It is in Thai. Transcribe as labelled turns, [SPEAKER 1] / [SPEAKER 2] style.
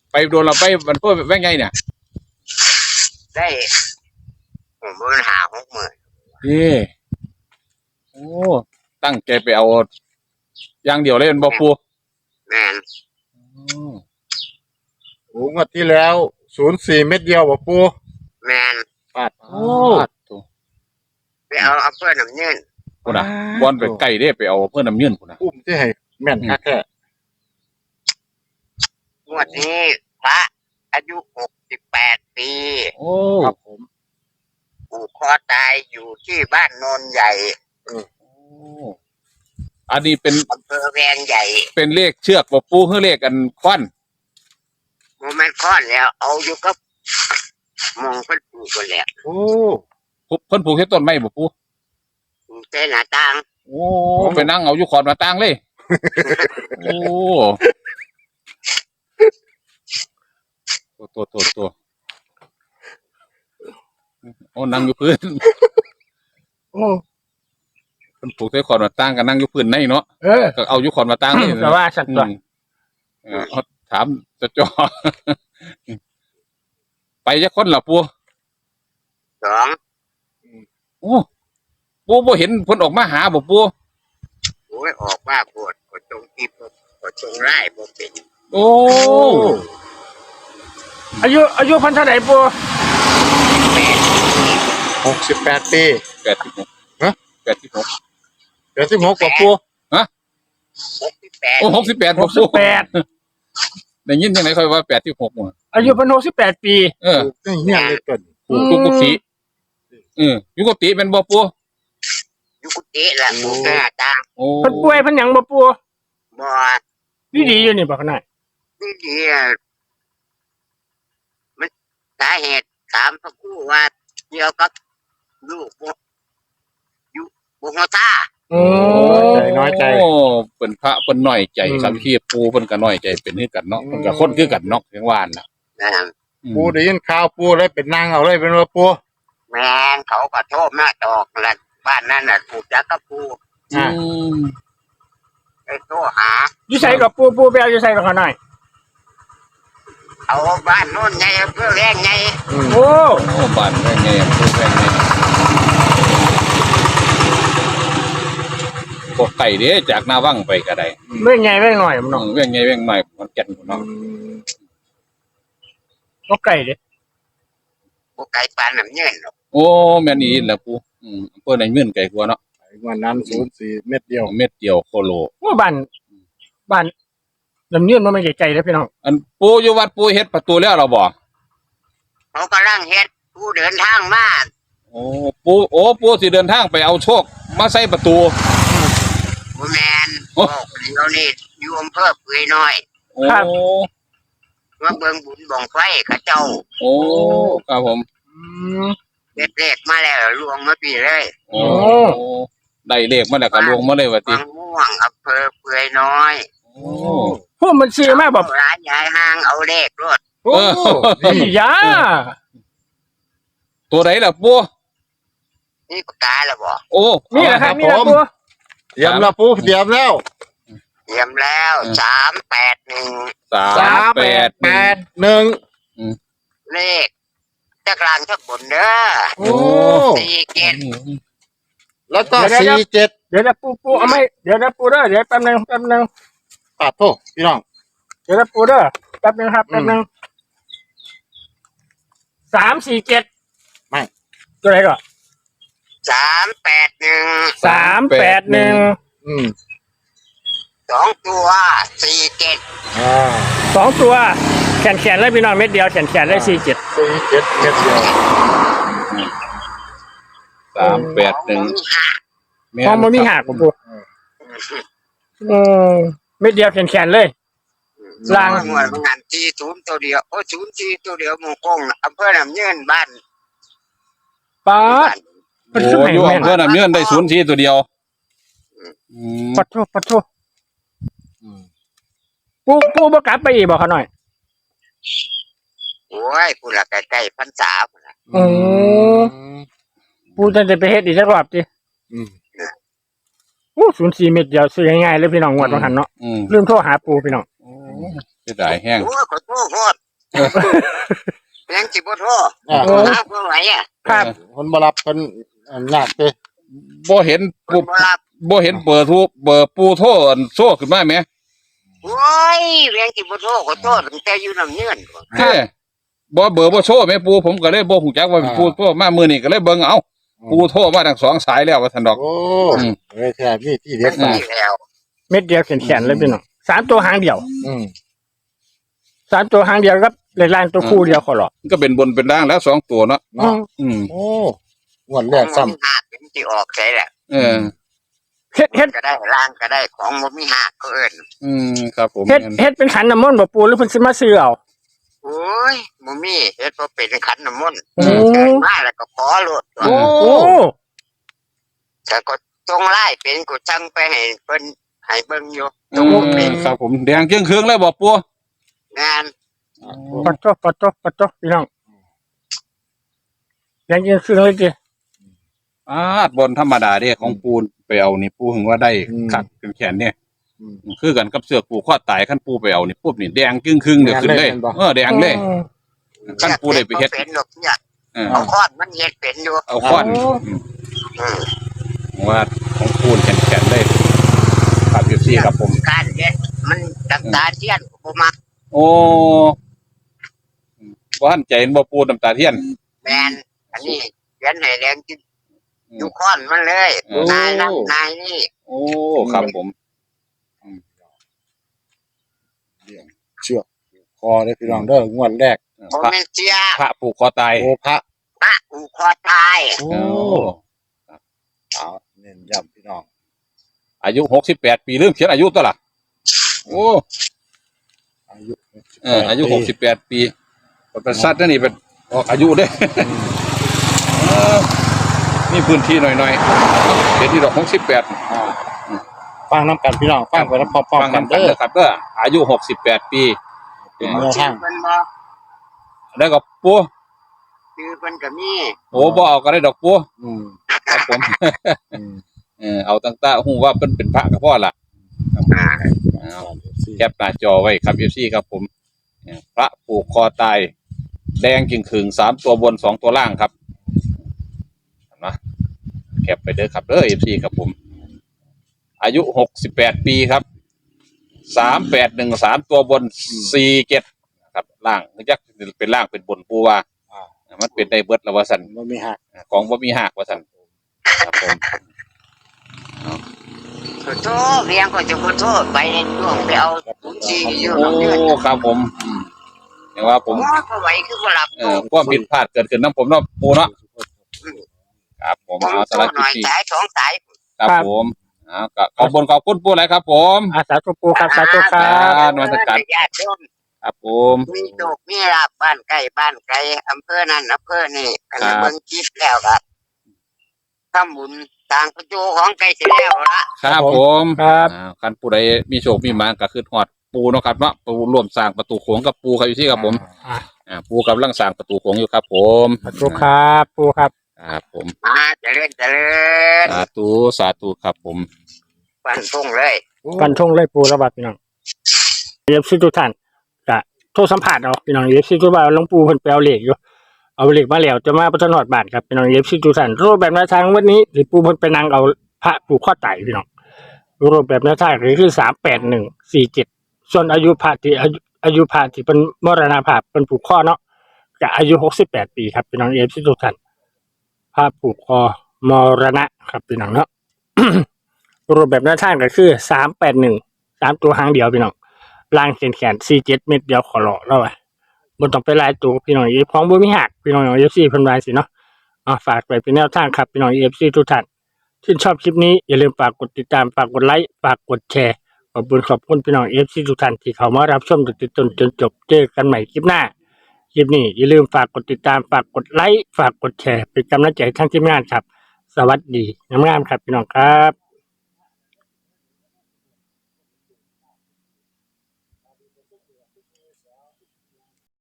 [SPEAKER 1] ไปโดนเราไปมันเพิ่มแว่งไงเนี่ย
[SPEAKER 2] ได้ผมเงิน50,000
[SPEAKER 1] โอ้ตั้งใจไปเอาอย่างเดียวเลยเป็นบ่ปู
[SPEAKER 2] แม่น
[SPEAKER 3] โอ้งวดที่แล้ว04เม็ดเดียวบ่ปู
[SPEAKER 2] แม่น
[SPEAKER 3] ปาดโอ้
[SPEAKER 2] ไปเอาอำเภอน้ำยืน
[SPEAKER 1] พุ่นน่ะบอนไปไกลเด้ไปเอาเพิ่นน้ำยืนพุ่นน่ะ
[SPEAKER 3] อุ้มที่ให้แม่นคักแท้
[SPEAKER 2] งวดนี้พระอายุ68 ปี
[SPEAKER 1] โอ้
[SPEAKER 3] ครับผม
[SPEAKER 2] ผูกคอตายอยู่ที่บ้านโนนใหญ่
[SPEAKER 1] อันนี้เป็น
[SPEAKER 2] อำเภอแวงใหญ่
[SPEAKER 1] เป็นเลขเชือกบ่ปูคือเลขกันควัน
[SPEAKER 2] โมเมนต์ค้อนแล้วเอาอยู่กับมองเพิ่นปลูกกันแล้ว
[SPEAKER 3] โอ้
[SPEAKER 1] เพิ่นปลูกแค่ต้นไม้บ่ปู
[SPEAKER 2] เต้นหน้าต่าง
[SPEAKER 1] โอ้ไปนั่งเอาอยู่ขอบหน้าต่างเลยโอ้ตัวโอ้นั่งอยู่พื้น
[SPEAKER 3] โอ้
[SPEAKER 1] มันปลูกได้ขอนมาตั้งกันนั่งอยู่พื้นในเนาะก็เอาอยู่ขอนมาตั้งนี่
[SPEAKER 4] แต่ว่าสัตว์ตัว
[SPEAKER 1] ถามจะจ่อไปจะคนหรอปู
[SPEAKER 2] 2
[SPEAKER 1] โอ้ปูบ่เห็นเพิ่นออกมาหาบ่ปู
[SPEAKER 2] โอ้ยออกมาปวดก็จงกิบก็จงไล่บ่เป็น
[SPEAKER 1] โอ้
[SPEAKER 4] อายุพันเท่าไหร่ปู
[SPEAKER 3] 68 ปี
[SPEAKER 1] 86ฮะ86
[SPEAKER 3] 86กว่าปู
[SPEAKER 1] ฮะ
[SPEAKER 2] 68
[SPEAKER 1] โอ้68บ่ปูได้ยินจังได๋ค่อยว่า86บ่
[SPEAKER 4] อายุเพิ่น68 ปี
[SPEAKER 3] เฮียนเลยต้น
[SPEAKER 1] ปูกุฏิอยู่กุฏิเป็นบ่ปู
[SPEAKER 2] อยู่กุฏิล่ะปูหน้าต่าง
[SPEAKER 1] โอ้
[SPEAKER 4] เพิ่นป่วยเพิ่นหยังบ่ปู
[SPEAKER 2] บ่
[SPEAKER 4] ดีอยู่นี่บ่ขนาด
[SPEAKER 2] ดีมันสาเหตุถามพระครูว่าเกี่ยวกับลูกอยู่บ่ฮู้ตา
[SPEAKER 3] น้อยใจ
[SPEAKER 1] เป็นพระเพิ่นน้อยใจครับพี่ปูเพิ่นก็น้อยใจเป็นคือกันเนาะเพิ่นก็คนคือกันเนาะจังหวานน่ะ
[SPEAKER 3] ปูได้ยินข่าวปูเลยเป็นนางเอาเลยเป็นว่าปู
[SPEAKER 2] แม่นเขาก็โทษมาตอกแล้วบ้านนั้นน่ะถูกจักกับปูไปโทรหา
[SPEAKER 4] อยู่ไสกับปูไปเอาอยู่ไสกับเขาหน่อย
[SPEAKER 2] เอาบ้านโน่นไงเพื่อแรงไง
[SPEAKER 4] โอ้
[SPEAKER 1] บ้านแรงไงปูแรงไงบ่ไกลเด้จากหน้าวังไปก็ได้
[SPEAKER 4] เว้งใหญ่เว้งน้อยมันเนาะ
[SPEAKER 1] เว้งใหญ่เว้งน้อยมันแก่นพุ่นเนาะ
[SPEAKER 4] บ่ไกลเด้
[SPEAKER 2] บ่ไกลปานน้ำเงินหรอก
[SPEAKER 1] โอ้แม่นอีหล่ะปูเพิ่นได้เงินไกลกว่าเนาะ
[SPEAKER 3] วันนั้น04เม็ดเดียว
[SPEAKER 1] โคโล
[SPEAKER 4] โอ้บ้านลำเนียนมันไม่ไกลๆเด้อพี่น้อง
[SPEAKER 1] อันปูอยู่วัดปูเฮ็ดประตูแล้วเหรอบ่
[SPEAKER 2] เขากำลังเฮ็ดปูเดินทางมา
[SPEAKER 1] โอ้ปูสิเดินทางไปเอาโชคมาใส่ประตู
[SPEAKER 2] บ่แม่นโอ้เดี๋ยวนี้อยู่อำเภอเปื่อยน้อย
[SPEAKER 4] ครับ
[SPEAKER 2] มาเบิ่งบุญบั้งไฟเขาเจ้า
[SPEAKER 1] โอ้ครับผม
[SPEAKER 2] เด็ดเลขมาแล้วลวงมาปีเลย
[SPEAKER 1] โอ้ได้เลขมาแล้วก็ลวงมาเลยว่าติ
[SPEAKER 2] ม่วงอำเภอเปื่อยน้อย
[SPEAKER 1] โอ้
[SPEAKER 4] พวกมันซื้อมาแบบ
[SPEAKER 2] ร้านยายห้างเอาเลขรถ
[SPEAKER 4] โอ้ยา
[SPEAKER 1] ตัวไหนล่ะปู
[SPEAKER 2] นี่ปากกาแล้วบ่
[SPEAKER 1] โอ้
[SPEAKER 4] นี่แหละครับนี่แหละปู
[SPEAKER 3] เตรียมแล้วปูเตรียมแล้ว
[SPEAKER 2] 381เลขจักรานจักบนเด้อ
[SPEAKER 3] โอ้
[SPEAKER 2] 47
[SPEAKER 3] แล้วก็47
[SPEAKER 4] เดี๋ยวนะปูเอาไหมเดี๋ยวนะปูเด้อเดี๋ยวแป๊บนึง
[SPEAKER 3] ปาดโทษพี่น้อง
[SPEAKER 4] เดี๋ยวนะปูเด้อแป๊บนึงครับแป๊บนึง347
[SPEAKER 3] ไม่
[SPEAKER 4] ตัวไหนก่อน
[SPEAKER 2] 381 2ตัว47
[SPEAKER 4] 2ตัวแขนเลยพี่น้องเม็ดเดียวแขนเลย47
[SPEAKER 3] เม็ดเดียว
[SPEAKER 1] 381
[SPEAKER 4] พอมันมีหักปูเม็ดเดียวแขนเลย
[SPEAKER 2] ล่างหัวงาน40ตัวเดียวโอ้04ตัวเดียวหมู่กงอำเภอน้ำเงินบ้าน
[SPEAKER 4] ป๊าด
[SPEAKER 1] โอ้อยู่อำเภอน้ำเงินได้04ตัวเดียว
[SPEAKER 4] ปัดโทปูบ่กลับไปอีกบ่เขาหน่อย
[SPEAKER 2] โอ้ยปูละใกล้ๆพรรษาพุ่นน่ะ
[SPEAKER 4] ปูจะไปเฮ็ดอีกสักรอบติโอ้04เม็ดเดียวซื้อง่ายๆเลยพี่น้องงวดว่าหั่นเนาะลืมโทรหาปูพี่น้อง
[SPEAKER 1] เสียดายแห้ง
[SPEAKER 2] โอ้ยขอโทษยังสิบ่โทร
[SPEAKER 3] อ่า
[SPEAKER 2] หาบ่ไหวอ่ะ
[SPEAKER 4] ครับ
[SPEAKER 3] คนบ่รับคนยากเด้
[SPEAKER 1] บ่เห็น
[SPEAKER 2] เพิ่นบ่รับ
[SPEAKER 1] บ่เห็นเบอร์ปูโทรอันโซ่ขึ้นมาไหม
[SPEAKER 2] โอ้ยยังสิบ่โทรขอโทษตั้งแต่อยู่น้ำเงื่อน
[SPEAKER 1] เฮ้บ่เบอร์บ่โชว์แม่ปูผมก็เลยบ่ฮู้จักว่าเป็นปูโทรมามื้อนี้ก็เลยเบิ่งเอาปูโทรมาทั้งสองสายแล้วว่าซั่นดอก
[SPEAKER 3] โอ้
[SPEAKER 1] อืม
[SPEAKER 3] เอ้ยแท้มีที่เด็ด
[SPEAKER 2] มัน
[SPEAKER 3] มา
[SPEAKER 2] มีแล้ว
[SPEAKER 4] เม็ดเดียวแขนๆเลยพี่น้อง3ตัวหางเดียว
[SPEAKER 3] อืม
[SPEAKER 4] 3ตัวหางเดียวครับเลขล่างตัวคู่เดียวขอหรอก
[SPEAKER 1] ก็เป็นบนเป็นล่างแล้ว2ตัวเนาะ
[SPEAKER 3] เนาะ
[SPEAKER 1] อืม
[SPEAKER 3] โอ้งวดแรก
[SPEAKER 2] ของ
[SPEAKER 3] ซ้ำ
[SPEAKER 2] บ่มีหักมันสิออกใช่แหละ
[SPEAKER 1] เออ
[SPEAKER 4] เฮ็ด
[SPEAKER 2] ก็ได้ล่างก็ได้ของบ่มีหักก็เอิ้น
[SPEAKER 1] อืมครับผม
[SPEAKER 4] เฮ็ดเป็นขันน้ำมนต์บ่ปูหรือเพิ่นสิมาซื้อเอา
[SPEAKER 2] โอ้ยบ่มีเฮ็ดบ่เป็นขันน้ำมนต์
[SPEAKER 4] โอ้
[SPEAKER 2] เกิดมาแล้วก็ขอโลด
[SPEAKER 3] โอ้
[SPEAKER 4] โอ้
[SPEAKER 2] แต่ก็จงไล่เป็นกูจังไปให้เพิ่นให้เบิ่งอยู่
[SPEAKER 1] อืมครับผมแดงเกลี้ยงเครื่องเลยบ่ปู
[SPEAKER 2] งาน
[SPEAKER 4] ปัดโตพี่น้องยังยินซื้อเลยจิ
[SPEAKER 1] บนธรรมดาเด้ของปูไปเอานี่ปูถึงว่าได้คักเป็นแขนเนี่ย
[SPEAKER 3] อืม
[SPEAKER 1] คือกันกับเสือปูข้อตายขั้นปูไปเอานี่ปุ๊บนี่แดงครึ่งๆเดี๋ยวขึ้นเลย
[SPEAKER 3] แดงเลย
[SPEAKER 1] แดงเลยขั้นปูได้ไปเฮ็ด
[SPEAKER 2] เป็นดอกเนี่ย
[SPEAKER 1] เออ
[SPEAKER 2] เอาคอดมันเฮ็ดเป็นอยู่
[SPEAKER 1] เอาค้อน
[SPEAKER 2] อืม
[SPEAKER 1] ว่าของปูนแขนเลยครับอยู่ที่ครับผม
[SPEAKER 2] การเฮ็ดมันน้ำตาเทียนบ่มัก
[SPEAKER 1] โอ้ว่าหันใจเห็นบ่ปูน้ำตาเทียน
[SPEAKER 2] แม่นอันนี้เขียนให้แดงจิอยู่ค้อนมันเลย
[SPEAKER 1] โอ้
[SPEAKER 2] นายนั้นนายนี่
[SPEAKER 1] โอ้ครับผม
[SPEAKER 3] เชือกคอได้พี่น้องเด้องวดแรก
[SPEAKER 2] บ่
[SPEAKER 1] พระ
[SPEAKER 2] แม่นเสีย
[SPEAKER 1] พระผูกคอตาย
[SPEAKER 3] โอ้พระ
[SPEAKER 2] พระอูคอตาย
[SPEAKER 3] โอ้
[SPEAKER 1] โอ้
[SPEAKER 3] เอาเน้นย้ำพี่น้อง
[SPEAKER 1] อายุ68 ปีลืมเขียนอายุตัวล่ะโอ้
[SPEAKER 3] อายุ
[SPEAKER 1] อายุ68 ปีเป็นสัตว์นั่นนี่เป็นออกอายุเด้นี่พื้นที่หน่อยๆเดี๋ยวที่ดอก68
[SPEAKER 3] อ่าฟังน้ำกันพี่น้องฟังไปแล้วพร้อม
[SPEAKER 1] ฟัง
[SPEAKER 3] ๆกัน
[SPEAKER 1] กัน
[SPEAKER 3] เด้อ
[SPEAKER 1] นะครับเด้ออายุ68 ปี
[SPEAKER 3] เป็นแนวทาง
[SPEAKER 2] เพิ่นบ่
[SPEAKER 1] แล้วก็ปู
[SPEAKER 2] ชื่อเพิ่นก็มี
[SPEAKER 1] โอ้บ่เอาก็ได้ดอกปู
[SPEAKER 3] อืม
[SPEAKER 1] ครับผม
[SPEAKER 3] อืม
[SPEAKER 1] เอาตั้งแต่ฮู้ว่าเป็นพระกับพ่อล่ะ
[SPEAKER 2] อ่า
[SPEAKER 1] แคปหน้าจอไว้ครับ FC ครับผมพระผูกคอตาย แดงกิ่งขึง3ตัวบน2ตัวล่างครับนะแคปไปเด้อครับเด้อ FC ครับผม อายุ68 ปีครับ3813ตัวบน47ครับล่างยักเป็นล่างเป็นบนปูว่ามันเป็นได้เบิดแล้วว่าซั่น
[SPEAKER 3] บ่มีหัก
[SPEAKER 1] ของบ่มีหักว่าซั่นครับผม
[SPEAKER 2] ขอโทษเรียงก็จะขอโทษไปในช่วงไปเอาทุกทีอยู่
[SPEAKER 1] โอ้
[SPEAKER 2] น้ำเงื่อน
[SPEAKER 1] ครับผมอย่างว่าผม
[SPEAKER 2] โอ้ก็ไหวคือบ่หลับ
[SPEAKER 1] ความผิดพลาดเกิดขึ้นน้ำผมเนาะปูเนาะครับผม
[SPEAKER 2] ผม
[SPEAKER 1] เอา
[SPEAKER 2] โท
[SPEAKER 1] สาร
[SPEAKER 2] ษห
[SPEAKER 1] คิ
[SPEAKER 2] น่
[SPEAKER 1] ด
[SPEAKER 2] อย
[SPEAKER 1] ที่
[SPEAKER 2] สายสองสาย
[SPEAKER 1] ครับผมก็ขอบคุณปูหลายครับผม
[SPEAKER 4] อาสาธุปูครับสาธุครั
[SPEAKER 1] ครับ บ นมัสการ
[SPEAKER 2] ญาติโยม
[SPEAKER 1] ครับผม
[SPEAKER 2] มีโชคมีลาภบ้านใกล้บ้านไกลอำเภอนั้นอำเภอนี่อันนี้เบิ่งคลิปแล้วครับทำบุญสร้างประตูของไกลสิแล้วละ
[SPEAKER 1] ครับผม
[SPEAKER 4] ครับ
[SPEAKER 1] คันผู้ใดมีโชคมีหมานก็คือฮอดปูเนาะครับเนาะปูร่วมสร้างประตูโขงกับปูครับอยู่ที่ครับผมปูกำลังสร้างประตูโขงอยู่ครับผม
[SPEAKER 4] สาธุครับปูครับ
[SPEAKER 1] ครับผม
[SPEAKER 2] เจริญเจริญ
[SPEAKER 1] สาธุครับผม
[SPEAKER 2] ฟันพุ่งเลย
[SPEAKER 4] ฟันธงเลยปูระบาดพี่น้องเอฟซีทุกท่านกะโทรสัมผัสเอาพี่น้องเอฟซีทุกบ้านหลวงปู่เพิ่นไปเอาเหล็กอยู่เอาเหล็กมาแล้วจะมาประทนหอดบาทครับพี่น้องเอฟซีทุกท่านรูปแบบแนวทางวันนี้หรือปู่เพิ่นไปนั่งเอาพระผูกข้อไตพี่น้องรูปแบบแนวทางคือ38147ส่วนอายุพระที่อายุพระที่เป็นมรณภาพเป็นผูกข้อเนาะก็อายุ68 ปีครับพี่น้องเอฟซีทุกท่านพระผูกคอมรณะครับพี่น้องเนาะ รูปแบบแนวทางก็คือ381ตัวหางเดียวพี่น้องล่างแขน47เม็ดเดียวขอหล่อแล้วอ่ะบ่ต้องไปหลายตัวพี่น้องอีของบ่มีหักพี่น้อง FC เพิ่นว่าสิเนาะฝากไว้เป็นแนวทางครับพี่น้อง FC ทุกท่านที่ชอบคลิปนี้อย่าลืมฝากกดติดตามฝากกดไลค์ฝากกดแชร์ขอบคุณพี่น้อง FC ทุกท่านที่เข้ามารับชมจนจบเจอกันใหม่คลิปหน้าคลิปนี้อย่าลืมฝากกดติดตามฝากกดไลค์ฝากกดแชร์เป็นกำลังใจทั้งทีมงานครับสวัสดีงามๆครับพี่น้องครับ